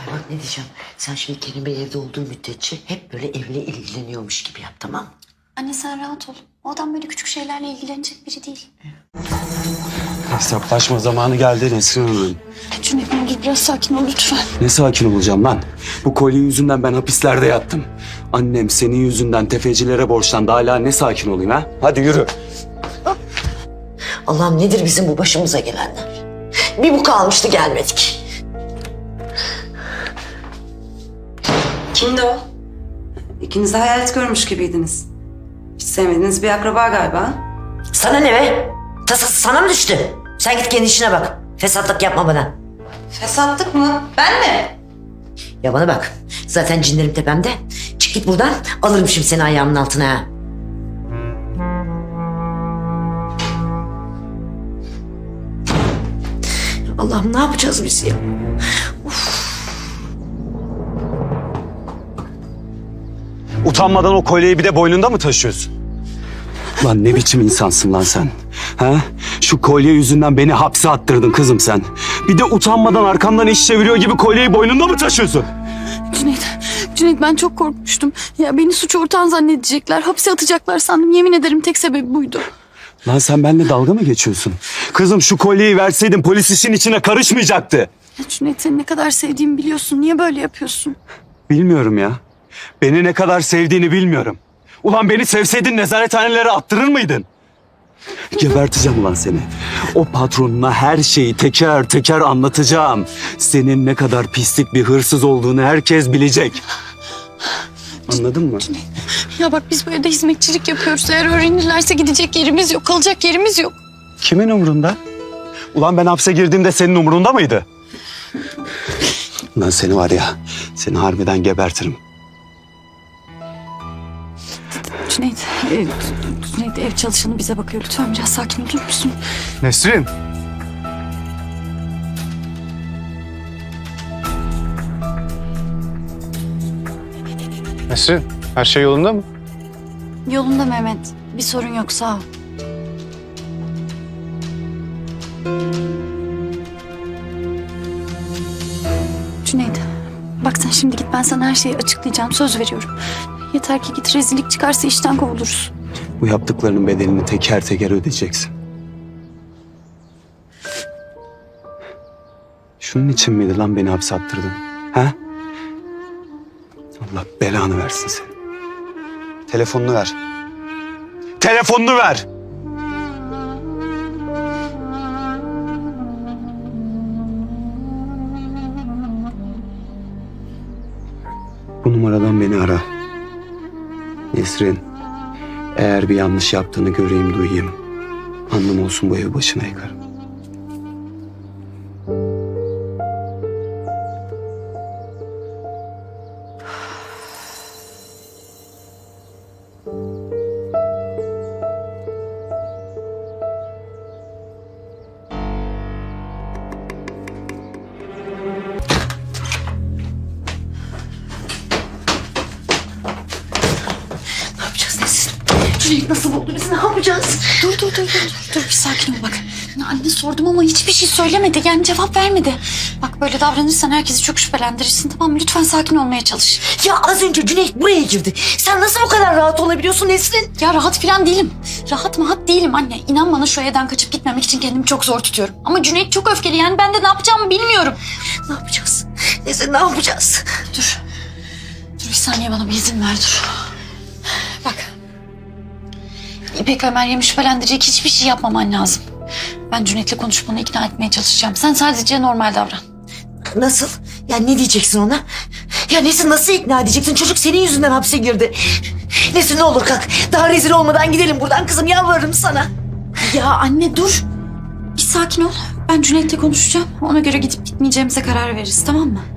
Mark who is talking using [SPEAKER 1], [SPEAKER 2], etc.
[SPEAKER 1] Bak ne diyeceğim. Sen şimdi Kerim Bey evde olduğu müddetçe hep böyle evle ilgileniyormuş gibi yap, tamam mı?
[SPEAKER 2] Anne sen rahat ol. O adam böyle küçük şeylerle ilgilenecek biri değil.
[SPEAKER 3] Hesaplaşma zamanı geldi Nesrin Hanım.
[SPEAKER 2] Cüneyt ne olur biraz sakin ol lütfen.
[SPEAKER 3] Ne sakin olacağım lan? Bu kolye yüzünden ben hapislerde yattım. Annem senin yüzünden tefecilere borçlandı. Hala ne sakin olayım ha? Hadi yürü.
[SPEAKER 1] Allah'ım nedir bizim bu başımıza gelenler? Bir bu kalmıştı gelmedik.
[SPEAKER 4] Kimdi o? İkiniz de hayalet görmüş gibiydiniz. Hiç sevmediğiniz bir akraba galiba.
[SPEAKER 1] Sana ne be? Tasası sana mı düştü? Sen git kendi işine bak. Fesatlık yapma bana.
[SPEAKER 4] Fesatlık mı? Ben mi?
[SPEAKER 1] Ya bana bak. Zaten cinlerim tepemde. Çık git buradan. Alırım şimdi seni ayağımın altına ha. Allah'ım ne yapacağız biz ya?
[SPEAKER 3] Utanmadan o kolyeyi bir de boynunda mı taşıyorsun? Lan ne biçim insansın lan sen? Ha? Şu kolye yüzünden beni hapse attırdın kızım sen. Bir de utanmadan arkamdan iş çeviriyor gibi kolyeyi boynunda mı taşıyorsun?
[SPEAKER 2] Cüneyt ben çok korkmuştum. Ya beni suç ortağın zannedecekler, hapse atacaklar sandım. Yemin ederim tek sebebi buydu.
[SPEAKER 3] Lan sen benimle dalga mı geçiyorsun? Kızım şu kolyeyi verseydin polis işin içine karışmayacaktı.
[SPEAKER 2] Ya Cüneyt seni ne kadar sevdiğimi biliyorsun. Niye böyle yapıyorsun?
[SPEAKER 3] Bilmiyorum ya. Beni ne kadar sevdiğini bilmiyorum. Ulan beni sevseydin nezarethanelere attırır mıydın? Geberteceğim ulan seni. O patronuna her şeyi teker teker anlatacağım. Senin ne kadar pislik bir hırsız olduğunu herkes bilecek. Anladın mı?
[SPEAKER 2] Ya bak biz bu evde hizmetçilik yapıyoruz. Eğer öğrenirlerse gidecek yerimiz yok, kalacak yerimiz yok.
[SPEAKER 3] Kimin umurunda? Ulan ben hapse girdiğimde senin umurunda mıydı? Ulan seni var ya, seni harbiden gebertirim.
[SPEAKER 2] Cüneyt ev çalışanı bize bakıyor. Lütfen biraz sakin olur musun?
[SPEAKER 3] Nesrin.
[SPEAKER 5] Nesrin, her şey yolunda mı?
[SPEAKER 2] Yolunda Mehmet. Bir sorun yok sağ ol. Cüneyt bak sen şimdi git ben sana her şeyi açıklayacağım. Söz veriyorum. Yeter ki git rezillik çıkarsa işten kovuluruz.
[SPEAKER 3] Bu yaptıklarının bedelini teker teker ödeyeceksin. Şunun için miydi lan beni hapse attırdın? Ha? Allah belanı versin seni. Telefonunu ver. Telefonunu ver! Bu numaradan beni ara. Nesrin, eğer bir yanlış yaptığını göreyim, duyayım. Anlam olsun bu evi başına yıkarım.
[SPEAKER 1] Ne yapacağız Nesin?
[SPEAKER 2] Cüneyt nasıl oldu biz ne yapacağız? Dur bir sakin ol bak. Anne sordum ama hiçbir şey söylemedi yani cevap vermedi. Bak böyle davranırsan herkesi çok şüphelendirirsin tamam mı? Lütfen sakin olmaya çalış.
[SPEAKER 1] Ya az önce Cüneyt buraya girdi. Sen nasıl bu kadar rahat olabiliyorsun Nesrin?
[SPEAKER 2] Ya rahat falan değilim. Rahat değilim anne. İnan bana şu evden kaçıp gitmemek için kendimi çok zor tutuyorum. Ama Cüneyt çok öfkeli yani ben de ne yapacağımı bilmiyorum.
[SPEAKER 1] Ne yapacağız? Nesrin ne yapacağız?
[SPEAKER 2] Dur bir saniye bana bir izin ver dur. Bak. İpek ve Meryem'i şüphelendirecek hiçbir şey yapmaman lazım. Ben Cüneyt'le konuşup onu ikna etmeye çalışacağım. Sen sadece normal davran.
[SPEAKER 1] Nasıl? Ya ne diyeceksin ona? Ya Nesrin nasıl ikna edeceksin? Çocuk senin yüzünden hapse girdi. Nesrin ne olur kalk. Daha rezil olmadan gidelim buradan kızım yalvarırım sana.
[SPEAKER 2] Ya anne dur. Bir sakin ol. Ben Cüneyt'le konuşacağım. Ona göre gidip gitmeyeceğimize karar veririz tamam mı?